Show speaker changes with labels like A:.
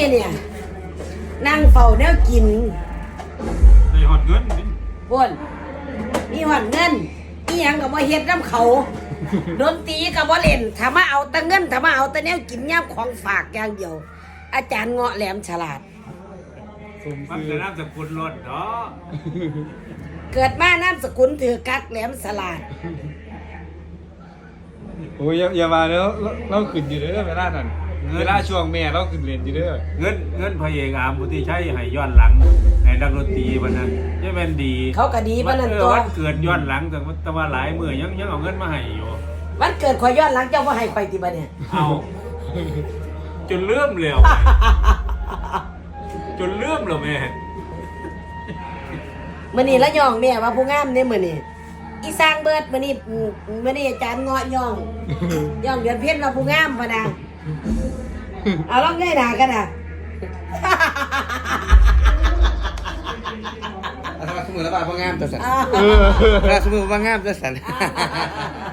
A: เนี่ยนั่งเฝ้าแนวกิน
B: ในหอดเงินนี่
A: พ่นมีหอดเงินอีหยังก็บ่เฮ็ดน้ำเขาดนตรีก็บ่เล่นถ้ามาเอาแต่เงินถ้ามาเอาแต่แนวกินย่ำของฝากอย่างเดียว อาจารย์เงาะแหลมฉลาด
B: มันจะน้ำสกุลรถเนาะ
A: เกิดมานามสกุลถือกักแหลมฉลาด
C: โอ้ยอย่ามาแล้วเราขึ้นอยู่เด้อเวลานั้นเวลาช่วงแม่เราขึ้นเรียนอยู่เด้อ
B: เงินพระเอกอามพุทธิชัยให้ย้อนหลังให้นักดนตรีวันนั้นจะเป็นดี
A: เขาก็ดีปานนั้นตัว
B: วันเกิดย้อนหลังแต่ว่าหลายมื้อยังเอาเงินมาให้อยู่
A: วันเกิดข่อยย้อนหลังเจ้าว่าให้ข่อยติบ่เนี่ย
B: เอาจนเลื่อมเลยจนเลื่อมเลยแม่
A: มื้อนี้ละย่องแม่ว่าผู้งามเนี่ยมื้อนี้อีสร้างเบิดมื้อนี้อาจารย์เงาะย่องเดือนเพ็ญว่าผู้งามพะนะเอาลองง่ายหน้ากันน่ะ
D: ถ้าสมมติว่าว่างามจะสั่น
A: อ่า
D: ถ้าสมมติว่างามจะสั่น